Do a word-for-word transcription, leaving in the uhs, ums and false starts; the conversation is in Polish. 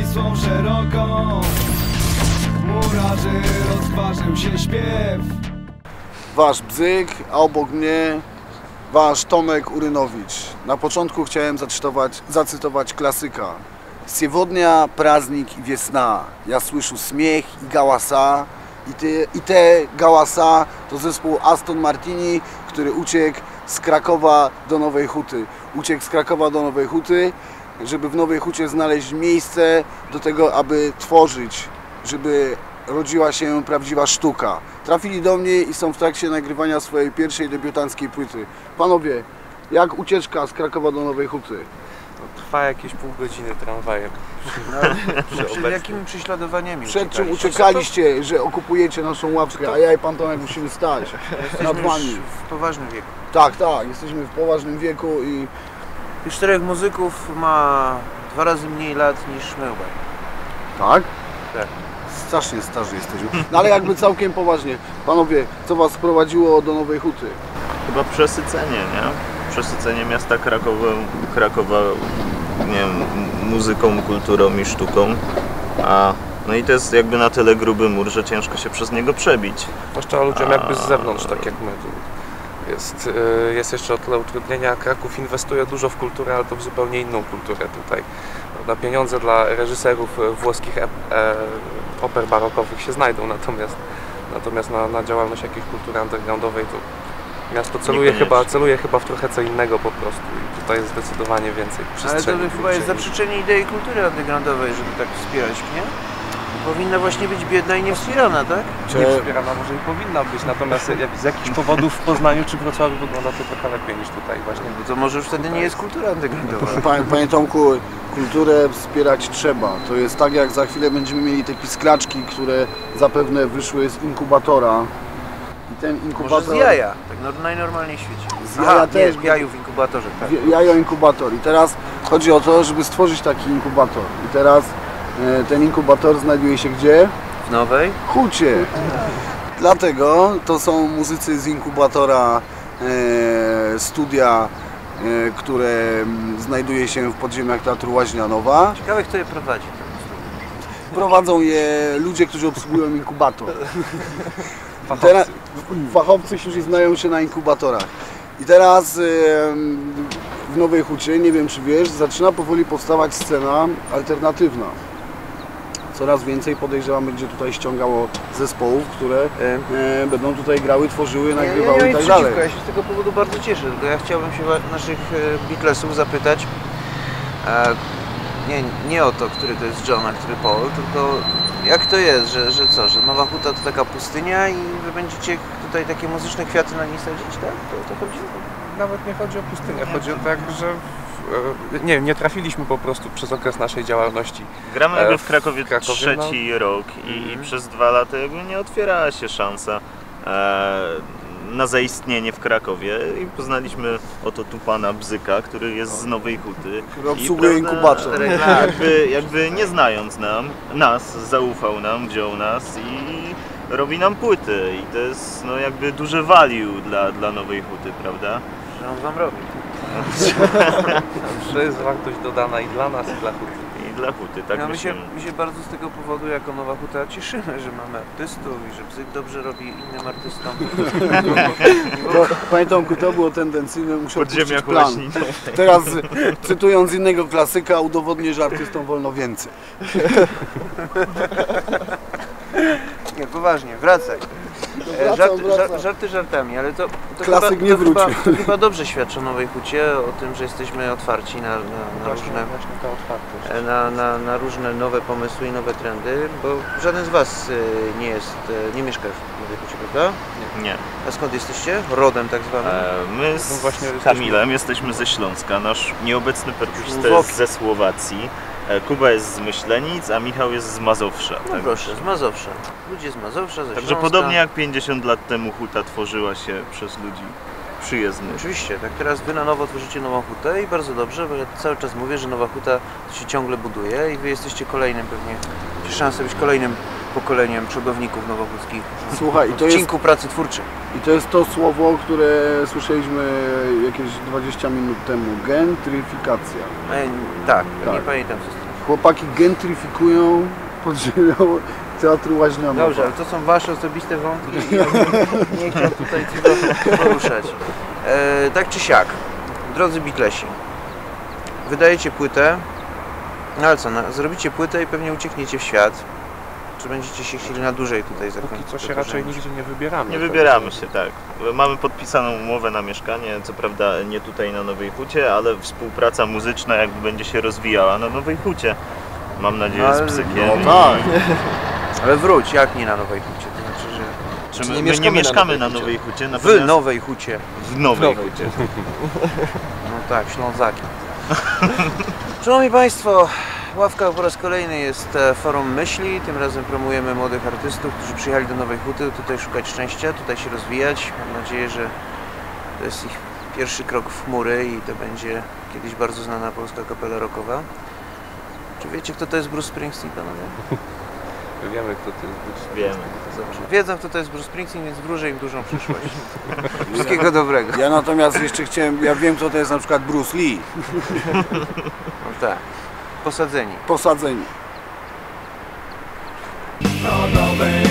Wisłą szeroką murarzy rozważył się śpiew. Wasz Bzyk, a obok mnie wasz Tomek Urynowicz. Na początku chciałem zacytować, zacytować klasyka. Siewodnia, praznik i wiesna. Ja słyszę śmiech i gałasa. I te, I te gałasa to zespół Aston Martini, który uciekł z Krakowa do Nowej Huty. Uciekł z Krakowa do Nowej Huty, żeby w Nowej Hucie znaleźć miejsce do tego, aby tworzyć, żeby rodziła się prawdziwa sztuka. Trafili do mnie i są w trakcie nagrywania swojej pierwszej debiutanckiej płyty. Panowie, jak ucieczka z Krakowa do Nowej Huty? No, trwa jakieś pół godziny tramwajem. No, przed jakimi prześladowaniami Przed czym uciekaliście, że okupujecie naszą ławkę, a ja i pan Tomek musimy stać nad wami. W poważnym wieku. Tak, tak, jesteśmy w poważnym wieku i... Tych czterech muzyków ma dwa razy mniej lat niż my. Tak? Tak. Strasznie starzy jesteśmy. No ale jakby całkiem poważnie. Panowie, co was sprowadziło do Nowej Huty? Chyba przesycenie, nie? Przesycenie miasta Krakowa, Krakowa nie wiem, muzyką, kulturą i sztuką. A, no i to jest jakby na tyle gruby mur, że ciężko się przez niego przebić. Zwłaszcza ludziom jakby z zewnątrz, tak jak my. Jest, jest jeszcze o tyle utrudnienia. Kraków inwestuje dużo w kulturę, ale to w zupełnie inną kulturę tutaj. Na pieniądze dla reżyserów włoskich e, e, oper barokowych się znajdą, natomiast, natomiast na, na działalność jakiejś kultury undergroundowej to miasto celuje chyba, celuje chyba w trochę co innego po prostu i tutaj jest zdecydowanie więcej przestrzeni. Ale to chyba jest zaprzeczenie idei kultury undergroundowej, żeby tak wspierać, nie? Powinna właśnie być biedna i niewspierana, tak? Nie wspierana może i powinna być, natomiast z jakichś powodów w Poznaniu czy Wrocławiu wygląda to trochę lepiej niż tutaj właśnie. Bo to może już wtedy nie jest kultura undergroundowa. Panie, panie Tomku, kulturę wspierać trzeba. To jest tak, jak za chwilę będziemy mieli te pisklaczki, które zapewne wyszły z inkubatora. I ten inkubator... Może z jaja, tak no, najnormalniej w świecie. Z jaja Aha, też. Nie, jaju w inkubatorze, tak. Jajo inkubator. I teraz chodzi o to, żeby stworzyć taki inkubator. I teraz e, ten inkubator znajduje się gdzie? W Nowej Hucie. Dlatego to są muzycy z inkubatora e, studia, e, które znajduje się w podziemiach Teatru Łaźnia Nowa. Ciekawe, kto je prowadzi. Prowadzą je ludzie, którzy obsługują inkubator. Fachowcy. Teraz, fachowcy, którzy znają się na inkubatorach. I teraz e, w Nowej Hucie, nie wiem czy wiesz, zaczyna powoli powstawać scena alternatywna. Coraz więcej, podejrzewam, będzie tutaj ściągało zespołów, które e, będą tutaj grały, tworzyły, nagrywały ja, ja, ja i tak przeciwko, dalej. Ja się z tego powodu bardzo cieszę, tylko ja chciałbym się naszych Beatlesów zapytać, e, nie, nie o to, który to jest John, a który Paul, tylko jak to jest, że, że co, że Nowa Huta to taka pustynia i wy będziecie tutaj takie muzyczne kwiaty na niej sadzić, tak? To o to chodzi? Nawet nie chodzi o pustynię, chodzi o tak, że w, nie, nie trafiliśmy po prostu przez okres naszej działalności. Gramy jakby w Krakowie, w Krakowie trzeci no. rok i, mm. i przez dwa lata jakby nie otwierała się szansa e, na zaistnienie w Krakowie i poznaliśmy oto tu pana Bzyka, który jest z Nowej Huty. Który obsługuje inkubator. Jakby, jakby nie znając nam, nas, zaufał nam, wziął nas i robi nam płyty i to jest no jakby duże value dla, dla Nowej Huty, prawda? Że on wam robi. To jest wartość dodana i dla nas, i dla Huty. I dla Huty, tak no, my, się, myślimy. my się bardzo z tego powodu jako Nowa Huta cieszymy, że mamy artystów i że Bzyk dobrze robi innym artystom. To, panie Tomku, to było tendencyjne, muszę opuścić plan. Leśni. Teraz cytując innego klasyka, udowodnię, że artystom wolno więcej. Nie, poważnie, wracaj. Wracam, Żart, wracam. żart, żarty żartami, ale to, to, Klasyk chyba, nie to, wrócił. chyba, to chyba dobrze świadczy o Nowej Hucie, o tym, że jesteśmy otwarci na, na, na, Właśnie, różne, właśnie ta otwartość. na, na, na różne nowe pomysły i nowe trendy, bo żaden z was nie jest, nie mieszka w Nowej Hucie, prawda? Nie. A skąd jesteście? Rodem tak zwanym? E, my z No właśnie Kamilem jesteśmy ze Śląska, nasz nieobecny perkusista Słowoki. jest ze Słowacji, e, Kuba jest z Myślenic, a Michał jest z Mazowsza. No tak? proszę, z Mazowsza. Ludzie z Mazowsza, ze Także Śląska. podobnie jak pięćdziesiąt lat temu Huta tworzyła się przez ludzi przyjezdnych. Oczywiście, tak teraz wy na nowo tworzycie Nową Hutę i bardzo dobrze, bo ja cały czas mówię, że Nowa Huta się ciągle buduje i wy jesteście kolejnym pewnie, macie szansę być kolejnym pokoleniem przodowników nowochódzkich Słuchaj, i w to jest, odcinku pracy twórczej. i to jest to słowo, które słyszeliśmy jakieś dwadzieścia minut temu. Gentryfikacja. E, tak, Tak. nie pamiętam co z tym. Chłopaki gentryfikują pod ziemią Teatru Łaźniowa. Dobrze, ale to są wasze osobiste wątki i ja nie, nie chciałem tutaj tego poruszać. E, tak czy siak, drodzy Beatlesi, wydajecie płytę, no ale co, no, zrobicie płytę i pewnie uciekniecie w świat. Czy będziecie się chcieli na dłużej tutaj zakończyć? Póki co się raczej nigdzie nie wybieramy. Nie wybieramy się, tak. Mamy podpisaną umowę na mieszkanie, co prawda nie tutaj na Nowej Hucie, ale współpraca muzyczna jakby będzie się rozwijała na Nowej Hucie. Mam nadzieję Ale- z Bzykiem. No tak. Ale wróć, jak nie na Nowej Hucie? To znaczy, że Czy Czy my, nie my nie mieszkamy mieszkamy na na Nowej Nowej Hucie, w natomiast Nowej Hucie. w Nowej W Nowej Hucie. No tak, Ślązakiem. Szanowni Państwo, Ławka po raz kolejny jest e, forum myśli. Tym razem promujemy młodych artystów, którzy przyjechali do Nowej Huty, tutaj szukać szczęścia, tutaj się rozwijać. Mam nadzieję, że to jest ich pierwszy krok w chmury i to będzie kiedyś bardzo znana polska kapela rockowa. Czy wiecie, kto to jest Bruce Springsteen, panowie? Wiemy, kto to jest Bruce Wiemy. Springsteen. Dobrze. Wiedzą, kto to jest Bruce Springsteen, więc wróżę im dużą przyszłość. Wszystkiego dobrego. Ja natomiast jeszcze chciałem, ja wiem co to jest na przykład Bruce Lee. No tak. Posadzeni. Posadzeni. Na nowej